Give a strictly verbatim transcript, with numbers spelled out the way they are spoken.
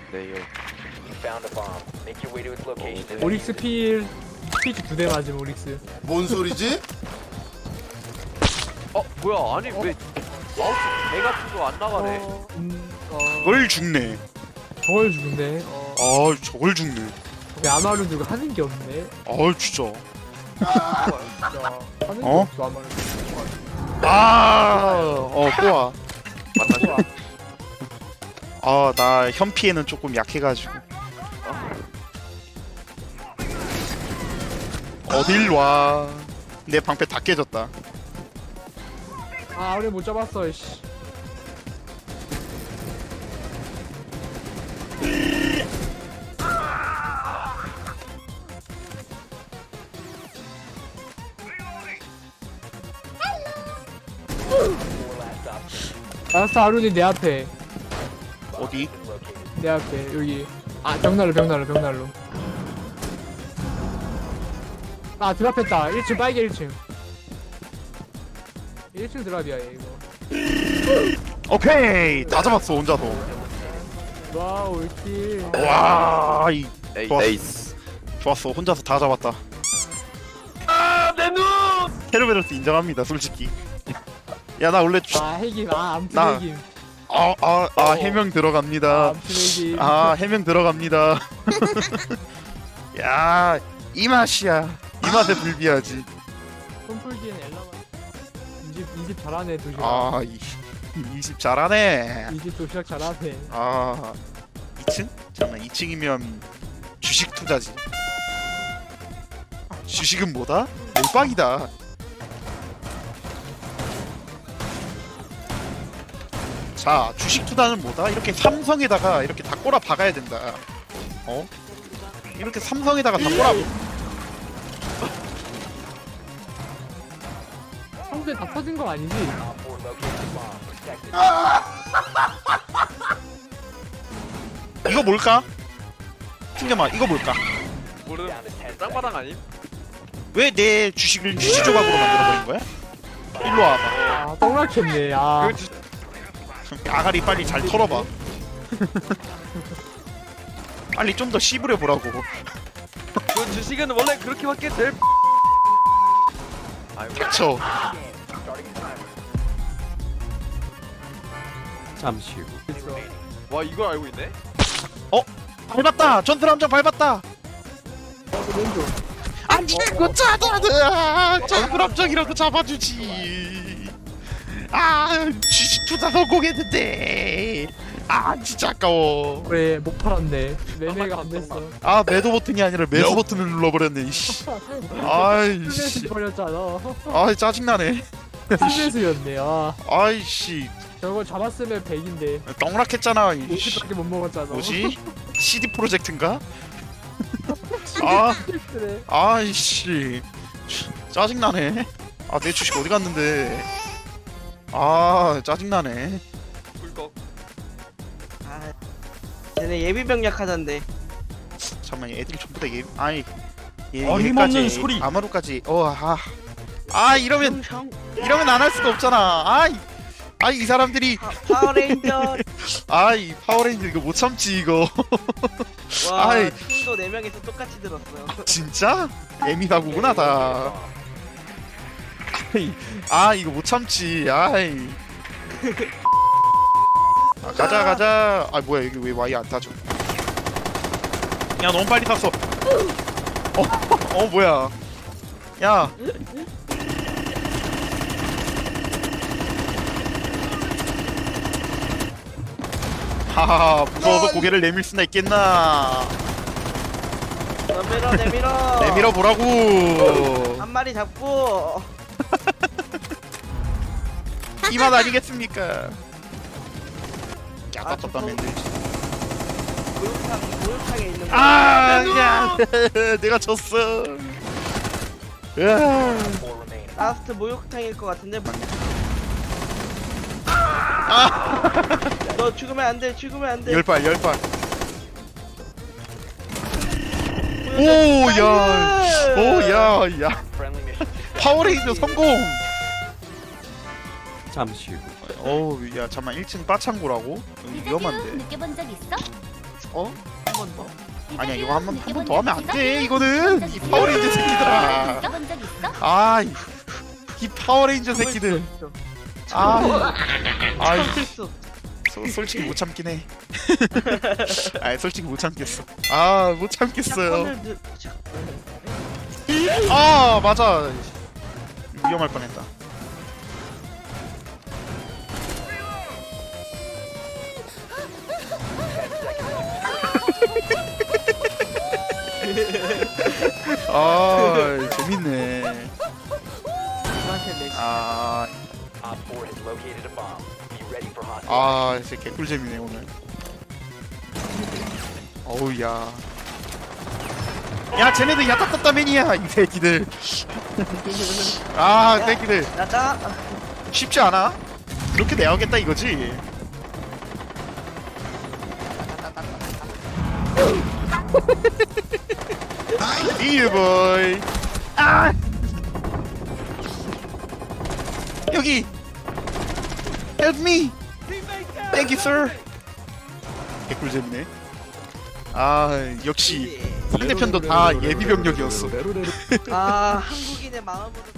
네, 요. 오릭스 필 스피치 두 대 맞음 오릭스. 뭔 소리지? 어, 뭐야? 아니 왜 마우스 개 같은 거 안 나가네? 어, 음, 어, 걸 죽네. 저걸 죽네. 어, 아 저걸 죽네. 야마루 누가 하는 게 없네. 아 진짜. 진짜 하는 게 어? 없어 야마루. 아어 꼬아. 만나죠. 아나 현피에는 조금 약해가지고. 어딜 와. 내 방패 다 깨졌다. 아 우리 못 잡았어. 씨. 알았어 아룬이 내 앞에. 어디? 내 앞에 여기. 아 벽난로 벽난로 벽난로. 아 드랍했다. 일 층 빨개 일 층. 일 층 드랍이야 얘 이거. 오케이 다 잡았어 혼자서. 와우 킬. 와이 에이, 좋았어. 에이스. 좋았어 혼자서 다 잡았다. 아내 눈. 헤르베르스 인정합니다 솔직히. 야 나 원래 아 핵임. 아 암튼 나- 핵임. 아아아 아, 해명 아 들어갑니다. 암튼 핵임. 아 해명 들어갑니다. 야 이 맛이야. 이 맛에 불비하지. 손풀기엔 엘라만. 이집 이집 잘하네 도시락. 아 이, 이십 잘하네. 이집 도시락 잘하네. 아 이 층? 잠깐만 이 층이면 주식 투자지. 주식은 뭐다? 몰빵이다. 자 주식 투자는 뭐다? 이렇게 삼성에다가 이렇게 다 꼬라 박아야 된다. 어? 이렇게 삼성에다가 다 꼬라. 성대 다 터진 거 아니지? 이거 뭘까? 튕겨봐 이거 뭘까? 모르. 짱바당 아님? 왜 내 주식을 주식 조각으로 만들어버린 거야? 일로 와봐. 아 똥락했네. 아 그 주... 아가리 빨리 잘 털어봐. 빨리 좀 더 씹으려 보라고. 그 주식은 원래 그렇게밖에 될. 아이고. 그쵸. 잠시 후. 와 이걸 알고 있네? 밟았다. 전투 함정 밟았다. 왼쪽. 아니 이거 짜다다. 전투 함정이라도 잡아주지. 아 주식 투자 성공했는데. 아 진짜 아까워. 그래 못 팔았네. 매매가 안 됐어. 아 매도 버튼이 아니라 매수 버튼을 눌러버렸네. 이씨. 아이씨. 스트레스 버렸잖아. 아 짜증나네. 스트레스였네. 아 아이씨. 저거 잡았으면 백인데 떡락했잖아. 이씨. 오십밖에 못 먹었잖아. 뭐지? 씨디 프로젝트인가? 아, 그래. 아이씨, 짜증나네. 아, 내 주식 어디 갔는데? 아, 짜증나네. 꿀꺽. 아, 쟤네 예비병력 하던데. 잠깐만, 애들이 전부 다 얘, 아이, 얘, 어림없는 얘까지, 소리. 아마루까지. 어, 아, 아 이러면 형, 이러면 안 할 수가 없잖아. 아이, 아이 이 사람들이, 파, 파워레인저. 아이 파워레인저 이거 못 참지 이거. 와, 아이. 팀도 네 명이서 똑같이 들었어요. 진짜? 예민하구나 다. 아이, 아 이거 못 참지. 아이. 아, 가자 가자. 아 뭐야 여기 왜 와이 안 타죠? 야 너무 빨리 탔어. 어, 어 뭐야? 야. 하하하 무서워서 고개를 내밀 수나 있겠나? 내밀어, 내밀어. 내밀어 보라고. 한 마리 잡고. 이 맛 아니겠습니까? 야따따따 맨들지. 목욕탕, 목욕탕에 있는 거. 아, 야, 내가 졌어. 으아. 라스트 목욕탕일 것 같은데. 너 죽으면 안 돼, 죽으면 안 돼. 열 발, 열 발. 오, 야, 오, 야, 야. 파워레인저 성공. 잠시 후. 어우, 야, 잠만 일 층 빠창고라고? 여기 위험한데. 느껴본 적 있어? 어? 한 번 더. 아니야 이거 한 번 한 번 더 하면 안 돼. 이거는 이 파워레인저 새끼들아. 본적 있어? 아, 이, 이 파워레인저 새끼들. 아, 아, 있어. 소, 솔직히 못 참긴 해. 아, 솔직히 못 참겠어. 아, 못 참겠어요. 샷건을 드- 샷- 아, 맞아. 위험할 뻔했다. 아, 재밌네. 저한테 내 아, Op four has located a bomb. Be ready for hostile. 아, 진짜 개꿀잼이네 오늘. 어우 야. 야, 쟤네들 야타타타맨이야 이 새끼들. 아, 새끼들 나다. 쉽지 않아? 그렇게 내야겠다 이거지. 이유 보이. 아. 여기. Help me. Thank you, sir. 개꿀잼이네. 아, 역시 상대편도 다 예비 병력이었어. 아 한국인의 마음으로